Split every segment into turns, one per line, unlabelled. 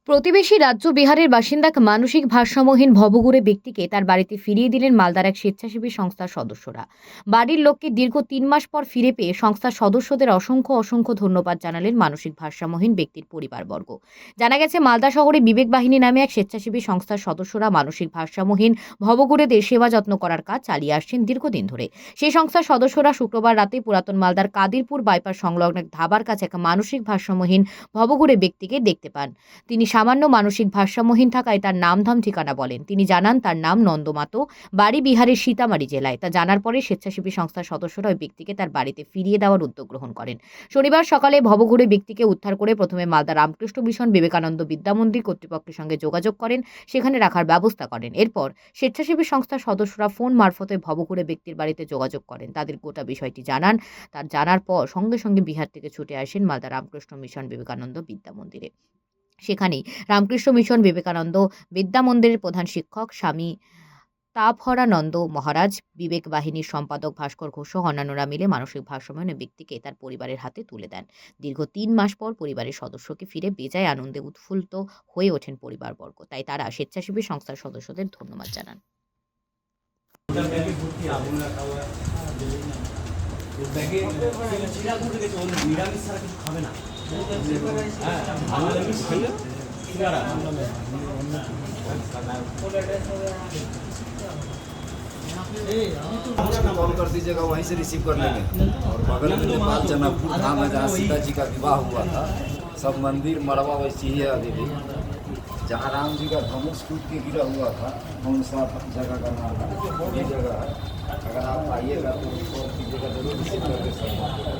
প্রতিবেশী রাজ্য বিহারের বাসিন্দা এক মানসিক ভারসাম্যহীন ভবঘুরে ব্যক্তিকে তার বাড়িতে ফিরিয়ে দিলেন মালদার এক স্বেচ্ছাসেবী সংস্থার সদস্যরা। বাড়ির লোককে দীর্ঘ ৩ মাস পর ফিরে পেয়ে সংস্থার সদস্যদের অসংখ্য অসংখ্য ধন্যবাদ জানালেন মানসিক ভারসাম্যহীন ব্যক্তির পরিবারবর্গ। জানা গেছে, মালদা শহরে বিবেক বাহিনী নামে এক স্বেচ্ছাসেবী সংস্থার সদস্যরা মানসিক ভারসাম্যহীন ভবঘুরেদের সেবা যত্ন করার কাজ চালিয়ে আসছেন দীর্ঘদিন ধরে। সেই সংস্থার সদস্যরা শুক্রবার রাতে পুরাতন মালদার কাদিরপুর বাইপাস সংলগ্ন এক ধাবার কাছে এক মানসিক ভারসাম্যহীন ভবঘুরে ব্যক্তিকে দেখতে পান। তিনি সামান্য মানসিক ভারসাম্যহীন থাকায় তার নামধাম ঠিকানা বলেন। তিনি জানান তার নাম নন্দমাতো, বাড়ি বিহারের সীতামারি জেলায়। তা জানার পরে স্বেচ্ছাসেবী সংস্থার সদস্যরা ওই ব্যক্তিকে তার বাড়িতে ফিরিয়ে দেওয়ার উদ্যোগ গ্রহণ করেন। শনিবার সকালে ভবঘুরে ব্যক্তিকে উদ্ধার করে প্রথমে মালদা রামকৃষ্ণ মিশন বিবেকানন্দ বিদ্যামন্দির কর্তৃপক্ষের সঙ্গে যোগাযোগ করেন, সেখানে রাখার ব্যবস্থা করেন। এরপর স্বেচ্ছাসেবী সংস্থার সদস্যরা ফোন মারফতে ভবঘুরে ব্যক্তির বাড়িতে যোগাযোগ করেন, তাদের গোটা বিষয়টি জানান। তার জানার পর সঙ্গে সঙ্গে বিহার থেকে ছুটে আসেন মালদা রামকৃষ্ণ মিশন বিবেকানন্দ বিদ্যামন্দিরে। সেখানেই রামকৃষ্ণ মিশন বিবেকানন্দ বিদ্যা মন্দিরের প্রধান শিক্ষক স্বামী তাপহরানন্দ মহারাজ, বিবেক বাহিনীর সম্পাদক ভাস্কর ঘোষ সহ অন্যান্যরা মিলে মানসিক ভারসাম্যহীন ব্যক্তিকে তার পরিবারের হাতে তুলে দেন। দীর্ঘ ৩ মাস পর পরিবারের সদস্যকে ফিরে বেজায় আনন্দে উৎফুল্ল হয়ে ওঠেন পরিবারবর্গ। তাই তারা স্বেচ্ছাসেবী সংস্থার সদস্যদের ধন্যবাদ জানান।
कॉल कर दीजिएगा, वहीं से रिसीव कर लेंगे। और बगल में नेपाल जनकपुर धाम है जहाँ सीता जी का विवाह हुआ था। सब मंदिर मड़वा वैसी ही है अभी भी। जहाँ राम जी का धनुष टूट के गिरा हुआ था, कौन सा जगह का नाम है, ये जगह है। अगर आप आइएगा तो कॉल कीजिएगा, जरूर रिसीव करके सब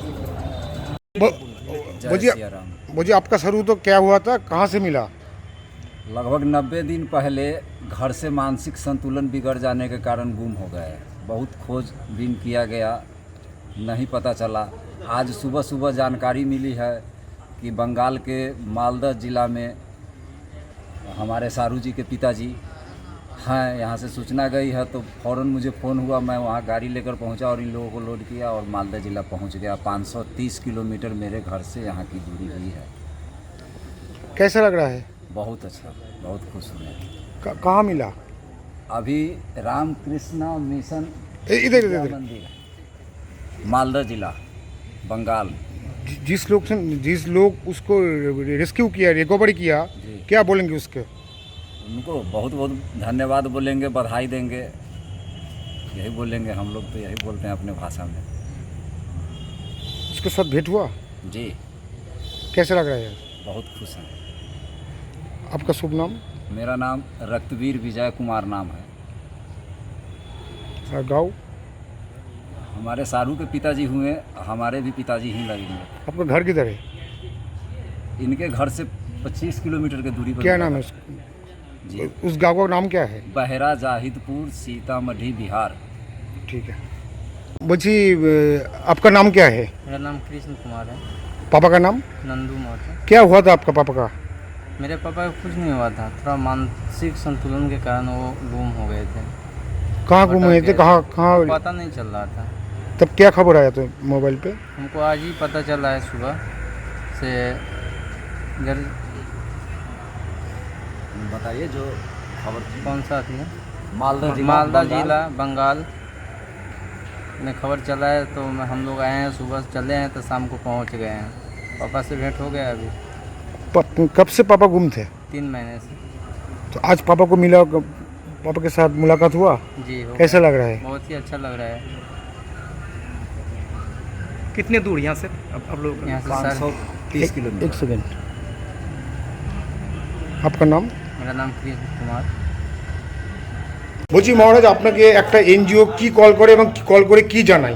मुझे आपका शुरू तो क्या हुआ था, कहाँ से मिला?
लगभग 90 दिन पहले घर से मानसिक संतुलन बिगड़ जाने के कारण गुम हो गए। बहुत खोजबीन किया गया, नहीं पता चला। आज सुबह सुबह जानकारी मिली है कि बंगाल के मालदा ज़िला में हमारे सारू जी के पिताजी हैं। यहाँ से सूचना गई है तो फ़ौरन मुझे फ़ोन हुआ, मैं वहाँ गाड़ी लेकर पहुँचा और इन लोगों को लोड किया और मालदा ज़िला पहुँच गया। 530 किलोमीटर मेरे घर से यहाँ की दूरी हुई है।
कैसा लग रहा है?
बहुत अच्छा, बहुत खुश हूँ।
कहाँ मिला?
अभी रामकृष्ण मिशन
इधर
मंदिर, मालदा जिला, बंगाल।
जिस लोग उसको रेस्क्यू किया, रिकवरी किया, क्या बोलेंगे उसके?
उनको बहुत बहुत धन्यवाद बोलेंगे, बधाई देंगे, यही बोलेंगे। हम लोग तो यही बोलते हैं अपने भाषा में।
उसके साथ भेंट हुआ?
जी,
कैसा लग रहा है?
बहुत खुश हैं।
आपका शुभ नाम?
मेरा नाम रक्तवीर विजय कुमार नाम है।
और गाँव?
हमारे सारू के पिताजी हुए, हमारे भी पिताजी ही लगेंगे।
आपका घर किधर है?
इनके घर से 25 किलोमीटर की दूरी पर।
क्या नाम है उसका?
जी,
उस गाँव का नाम क्या है?
बहरा जाहिदपुर, सीतामढ़ी, बिहार।
ठीक है। बोझी, आपका नाम क्या है?
मेरा नाम कृष्ण कुमार है।
पापा का नाम?
नंदू माता।
क्या हुआ था आपका पापा का?
मेरे पापा को कुछ नहीं हुआ था, थोड़ा मानसिक संतुलन के कारण वो गुम हो गए थे।
कहाँ गुम हुए थे? कहाँ कहाँ?
पता नहीं चल रहा था।
तब क्या खबर आया तो मोबाइल पे?
हमको आज ही पता चला है सुबह से। घर
बताइए जो खबर थी।
कौन सा थी?
मालदा
जिला बंगाल में खबर चला है तो हम लोग आए हैं, सुबह चले हैं तो शाम को पहुंच गए हैं। पापा से भेंट हो गया अभी।
कब से पापा गुम थे?
3 महीने से।
तो आज पापा को मिला, पापा के साथ मुलाकात हुआ?
जी हो
कैसा
गया।
लग रहा है?
बहुत ही अच्छा लग रहा है।
कितने दूर यहाँ से अब लोग?
यहाँ से
530 किलोमीटर।
एक सेकेंड। आपका नाम?
मेरा नाम कृष्ण कुमार।
বলছি মহারাজ, আপনাকে একটা এনজিও কি কল করে এবং কল করে কি জানায়?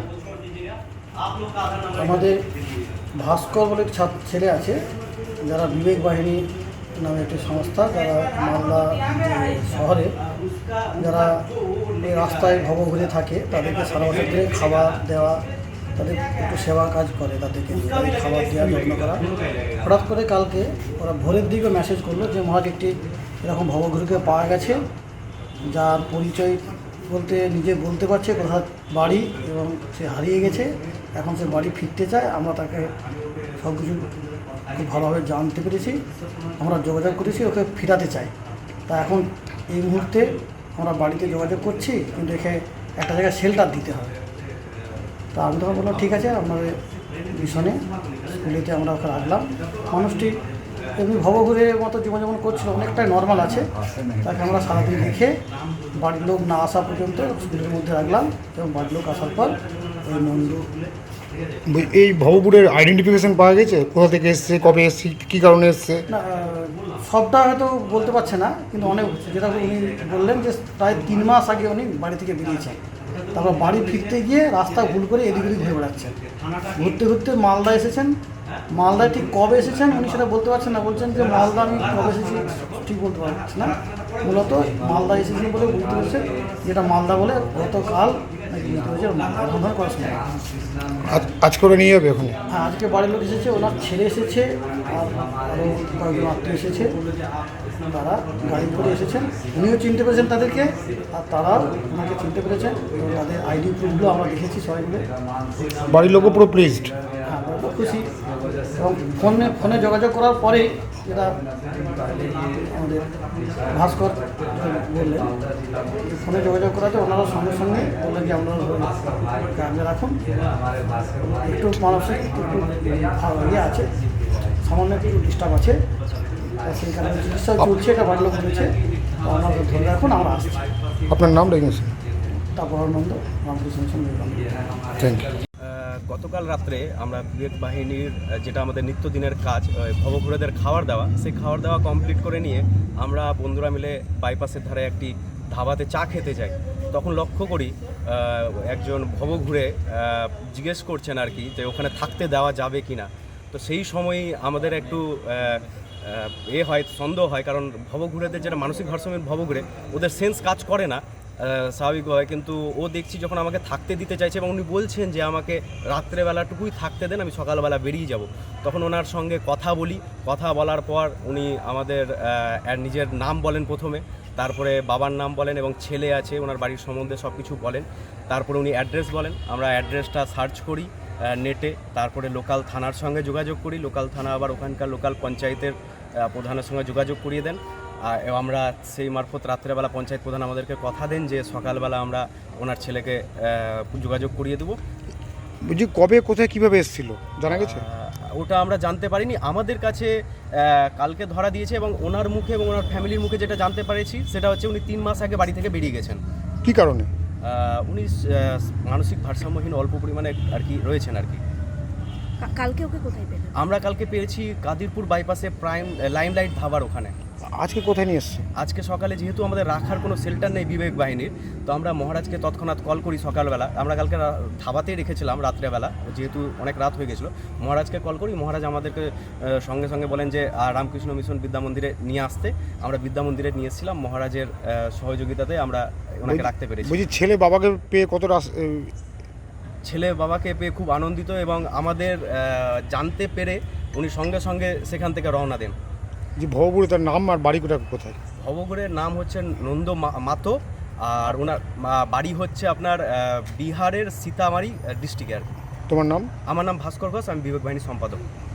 আমাদের ভাস্কর বলে ছেলে আছে, যারা বিবেক বাহিনী নামে একটি সংস্থা, যারা মালদা শহরে যারা এই রাস্তায় ঘুরে থাকে তাদেরকে সারা বছর ধরে খাবার দেওয়া, তাদের একটু সেবা কাজ করে, তাদেরকে তাদের খাবার দেওয়া, যত্ন করা। হঠাৎ করে কালকে ওরা ভোরের দিকে মেসেজ করলো যে মহারাজ একটি এরকম ভবঘুরকে পাওয়া গেছে, যার পরিচয় বলতে নিজে বলতে পারছে কোথায় বাড়ি এবং সে হারিয়ে গেছে। এখন সে বাড়ি ফিরতে চায়, আমরা তাকে সব কিছু খুব ভালোভাবে জানতে পেরেছি, আমরা যোগাযোগ করেছি, ওকে ফিরাতে চাই। তা এখন এই মুহূর্তে আমরা বাড়িতে যোগাযোগ করছি, কিন্তু একে একটা জায়গায় শেল্টার দিতে হবে। তা আমি তখন বললাম ঠিক আছে, আপনাদের মিশনে স্কুলেতে আমরা ওকে রাখলাম। মানুষটি এমনি ভবঘুরের মতো জীবনযাপন করছিল, অনেকটাই নর্মাল আছে। তাকে আমরা সারাদিন রেখে বাড়ির লোক না আসা পর্যন্ত স্কুলের মধ্যে রাখলাম, এবং বাড়ির লোক আসার পর ওই নন্দু
এই ভবপুরের আইডেন্টিফিকেশন পাওয়া গেছে, কোথা থেকে এসছে, কবে এসছে, কী কারণে এসছে?
না, সবটা হয়তো বলতে পারছে না, কিন্তু অনেক, যেটা উনি বললেন যে প্রায় 3 মাস আগে উনি বাড়ি থেকে বেরিয়েছেন। তারপর বাড়ি ফিরতে গিয়ে রাস্তা ভুল করে এদিক ওদিক ঘুরে বেড়াচ্ছেন। ঘুরতে ঘুরতে মালদা এসেছেন। মালদায় ঠিক কবে এসেছেন উনি সেটা বলতে পারছেন না, বলছেন যে মালদা আমি কবে এসেছি ঠিক বলতে পারছি না। মূলত মালদা এসেছেন বলে বুঝতে পেরেছে, যেটা মালদা বলে গতকাল নাকি বুঝতে পেরেছে মালদা এরকম করার সময়।
আজ করে নিয়ে যাবে ওখানে?
হ্যাঁ, আজকে বাড়ির লোক এসেছে, ওনার ছেলে এসেছে, আর আরও কয়েকজন আত্মীয় এসেছে। তারা গাড়ি করে এসেছেন, উনিও চিনতে পেরেছেন তাদেরকে, আর তারাও ওনাকে চিনতে পেরেছেন, এবং তাদের আইডি প্রুফগুলো আমরা দেখেছি সবাই মিলে।
বাড়ির লোকও পুরো প্লিজড?
হ্যাঁ, আমরা খুব খুশি। এবং ফোনে যোগাযোগ করার পরে যেটা আমাদের ভাস্কর বললেন, ফোনে যোগাযোগ করাতে ওনারা সঙ্গে সঙ্গে বললেন যে আপনারা কাজে রাখুন, একটু মানসিক একটু ইয়ে আছে, সামান্য একটু ডিস্টার্ব আছে, সেই কারণে চিকিৎসা চলছে, এটা বাড়ির লোক বলেছে। আপনারা ধরে রাখুন, আমরা আসছি।
আপনার নাম রেখেছেন?
তারপর আনন্দ রামকৃষ্ণ সঙ্গে।
Thank you.
গতকাল রাত্রে আমরা বিবেক বাহিনীর যেটা আমাদের নিত্যদিনের কাজ, ভবঘুরেদের খাবার দেওয়া, সেই খাবার দেওয়া কমপ্লিট করে নিয়ে আমরা বন্ধুরা মিলে বাইপাসের ধারে একটি ধাবাতে চা খেতে যাই। তখন লক্ষ্য করি একজন ভবঘুরে জিজ্ঞেস করছেন আর কি, যে ওখানে থাকতে দেওয়া যাবে কি না। তো সেই সময়ই আমাদের একটু হয়, সন্দেহ হয়, কারণ ভবঘুরেদের যেটা মানসিক ভারসাম্যহীন ভবঘুরে, ওদের সেন্স কাজ করে না স্বাভাবিকভাবে। কিন্তু ও দেখছি যখন আমাকে থাকতে দিতে চাইছে, এবং উনি বলছেন যে আমাকে রাত্রেবেলাটুকুই থাকতে দেন, আমি সকালবেলা বেরিয়ে যাব। তখন ওনার সঙ্গে কথা বলি, কথা বলার পর উনি আমাদের নিজের নাম বলেন প্রথমে, তারপরে বাবার নাম বলেন, এবং ছেলে আছে ওনার বাড়ির সম্বন্ধে সব কিছু বলেন। তারপরে উনি অ্যাড্রেস বলেন, আমরা অ্যাড্রেসটা সার্চ করি নেটে, তারপরে লোকাল থানার সঙ্গে যোগাযোগ করি। লোকাল থানা আবার ওখানকার লোকাল পঞ্চায়েতের প্রধানের সঙ্গে যোগাযোগ করিয়ে দেন। এবং আমরা সেই মারফত রাত্রেবেলা পঞ্চায়েত প্রধান আমাদেরকে কথা দেন যে সকালবেলা আমরা ওনার ছেলেকে যোগাযোগ করিয়ে দেবো।
বুঝি কবে, কোথায়, কীভাবে এসেছিল জানা গেছে?
ওটা আমরা জানতে পারিনি। আমাদের কাছে কালকে ধরা দিয়েছে, এবং ওনার মুখে এবং ওনার ফ্যামিলির মুখে যেটা জানতে পেরেছি সেটা হচ্ছে উনি 3 মাস আগে বাড়ি থেকে বেরিয়ে গেছেন।
কী কারণে?
উনি মানসিক ভারসাম্যহীন অল্প পরিমাণে আর কি রয়েছেন আর কি।
কালকে ওকে কোথায় পেলেন?
আমরা কালকে পেয়েছি কাদিরপুর বাইপাসে প্রাইম লাইমলাইট ধাবার ওখানে।
আজকে কোথায় নিয়ে এসছে?
আজকে সকালে যেহেতু আমাদের রাখার কোনো শেল্টার নেই বিবেক বাহিনীর, তো আমরা মহারাজকে তৎক্ষণাৎ কল করি সকালবেলা। আমরা কালকে ধাবাতেই রেখেছিলাম রাত্রেবেলা, যেহেতু অনেক রাত হয়ে গেছিলো। মহারাজকে কল করি, মহারাজ আমাদেরকে সঙ্গে সঙ্গে বলেন যে রামকৃষ্ণ মিশন বিদ্যা মন্দিরে নিয়ে আসতে। আমরা বিদ্যা মন্দিরে নিয়ে এসেছিলাম, মহারাজের সহযোগিতাতে আমরা ওনাকে রাখতে পেরেছি।
বুঝি ছেলে বাবাকে পেয়ে কতটা?
ছেলে বাবাকে পেয়ে খুব আনন্দিত, এবং আমাদের জানতে পেরে উনি সঙ্গে সঙ্গে সেখান থেকে রওনা দেন।
যে ভবপুরে তার নাম আর বাড়ি কোথায়?
ভবঘুরের নাম হচ্ছে নন্দ মাতো, আর ওনার বাড়ি হচ্ছে আপনার বিহারের সীতামারি ডিস্ট্রিক্টে আর কি।
তোমার নাম?
আমার নাম ভাস্কর ঘোষ, আমি বিবেক বাহিনীর সম্পাদক।